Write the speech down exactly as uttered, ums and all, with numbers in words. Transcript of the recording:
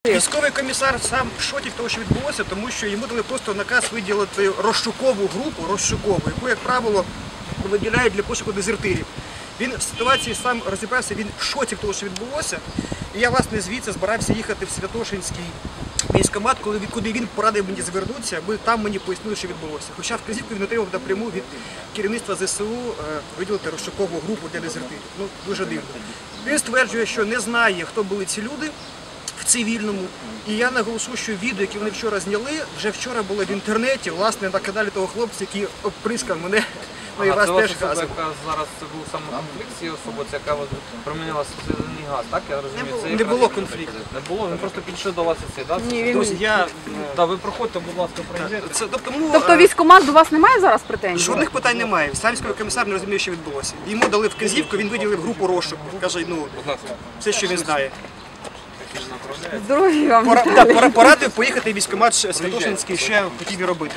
допомогти? Військовий комісар сам в шоці того, що відбулося, тому що йому дали просто наказ виділити розшукову групу, розшукову, яку, як правило, виділяють для пошуку дезертирів. Він в ситуації сам розібрався, він в шоці того, що відбулося. І я, власне, звідси збирався їхати в Святошинський військкомат, коли, куди він порадив мені звернутися, аби там мені пояснили, що відбулося. Хоча вказівку він отримав напряму від керівництва зе се у виділити розшукову групу для дезертирів. Ну, дуже дивно. Він стверджує, що не знає, хто були ці люди в цивільному. І я наголошу, що відео, яке вони вчора зняли, вже вчора було в інтернеті, власне, на каналі того хлопця, який обприскав мене. Ну, і А вас це теж ваша особа, газом. яка зараз це був саме конфлікт з цією особою, це яка от проміняла сльозний газ, так? Я розумію, Не було- це не якраз- було конфлікту. Не було, він просто підійшов до вас і це, так? Ні, він... Друзі, я... Та ви проходьте, будь ласка, пройдете. Це, тому, Тобто е, військкомат до вас немає зараз претензій? жодних питань немає. Сам військовий комісар не розуміє, що відбулося. Йому дали вказівку, він виділив групу розшуку. Каже, ну, все, що він знає. Здоров'я вам. Пора, так, пора, порадив поїхати в військкомат Святошинський, що я хотів і робити.